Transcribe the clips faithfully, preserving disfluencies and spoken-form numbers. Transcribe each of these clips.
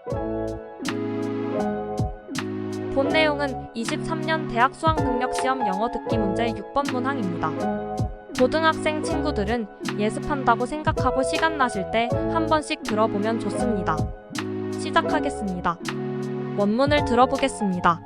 본 내용은 이십삼 년 대학 수학능력시험 영어 듣기 문제 육 번 문항입니다. 고등학생 친구들은 예습한다고 생각하고 시간 나실 때 한 번씩 들어보면 좋습니다. 시작하겠습니다. 원문을 들어보겠습니다.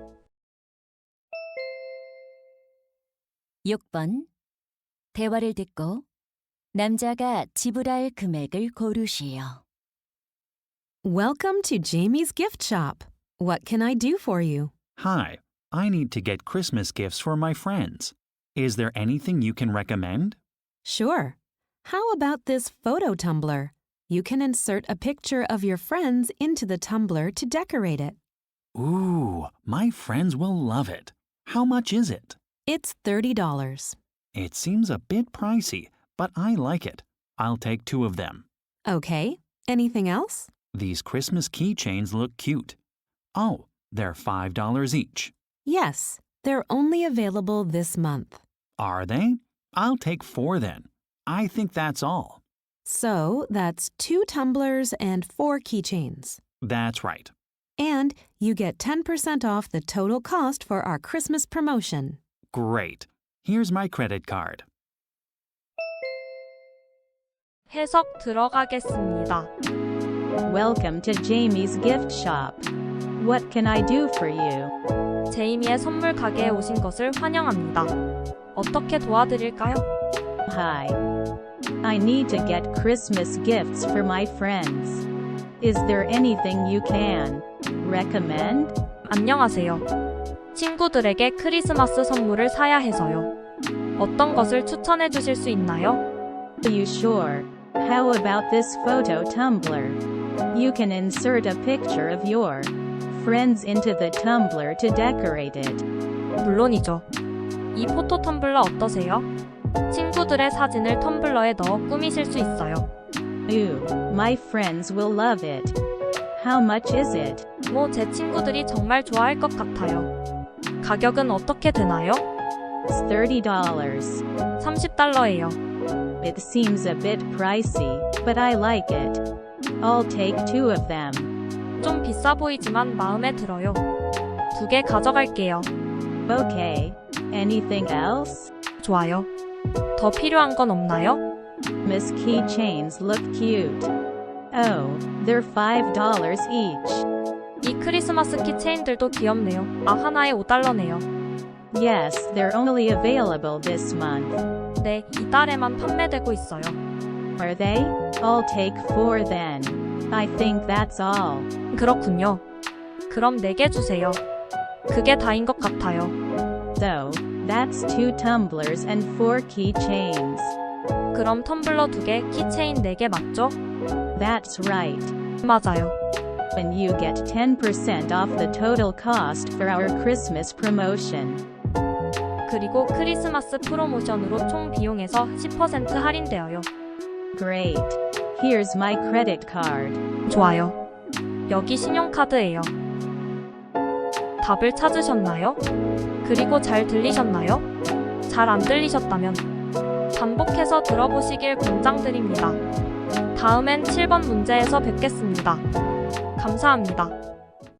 육 번. 대화를 듣고 남자가 지불할 금액을 고르시오. Welcome to Jamie's gift shop. What can I do for you? Hi, I need to get Christmas gifts for my friends. Is there anything you can recommend? Sure. How about this photo tumbler? You can insert a picture of your friends into the tumbler to decorate it. Ooh, my friends will love it. How much is it? It's thirty dollars. It seems a bit pricey, but I like it. I'll take two of them. Okay. Anything else? These Christmas keychains look cute. Oh, they're five dollars each. Yes. They're only available this month. Are they? I'll take four then. I think that's all. So that's two tumblers and four keychains. That's right. And you get ten percent off the total cost for our Christmas promotion. Great. Here's my credit card. 해석 들어가겠습니다. Welcome to Jamie's gift shop. What can I do for you? 제이미의 선물 가게에 오신 것을 환영합니다. 어떻게 도와드릴까요? Hi. I need to get Christmas gifts for my friends. Is there anything you can recommend? 안녕하세요. 친구들에게 크리스마스 선물을 사야 해서요. 어떤 것을 추천해 주실 수 있나요? Are you sure? How about this photo tumbler? You can insert a picture of your friends into the tumbler to decorate it. 물론이죠. 이 포토 텀블러 어떠세요? 친구들의 사진을 텀블러에 넣어 꾸미실 수 있어요. Ooh, my friends will love it. How much is it? 뭐 제 친구들이 정말 좋아할 것 같아요. 가격은 어떻게 되나요? It's thirty dollars. 삼십 달러예요. It seems a bit pricey, but I like it. I'll take two of them. 좀 비싸 보이지만 마음에 들어요. 두 개 가져갈게요. Okay. Anything else? 좋아요. 더 필요한 건 없나요? Miss keychains look cute. Oh, they're five dollars each. 이 크리스마스 키체인들도 귀엽네요. 아, 하나에 오 달러네요. Yes, they're only available this month. 네, 이달에만 판매되고 있어요. Are they? I'll take four then. I think that's all. 그렇군요. 그럼 네 개 주세요. 그게 다인 것 같아요. So, that's two tumblers and four keychains. 그럼 텀블러 두 개, 키체인 네 개 맞죠? That's right. 맞아요. And you get ten percent off the total cost for our Christmas promotion. 그리고 크리스마스 프로모션으로 총 비용에서 십 퍼센트 할인되어요. Great. Here's my credit card. 좋아요. 여기 신용카드예요. 답을 찾으셨나요? 그리고 잘 들리셨나요? 잘 안 들리셨다면 반복해서 들어보시길 권장드립니다. 다음엔 칠 번 문제에서 뵙겠습니다. 감사합니다.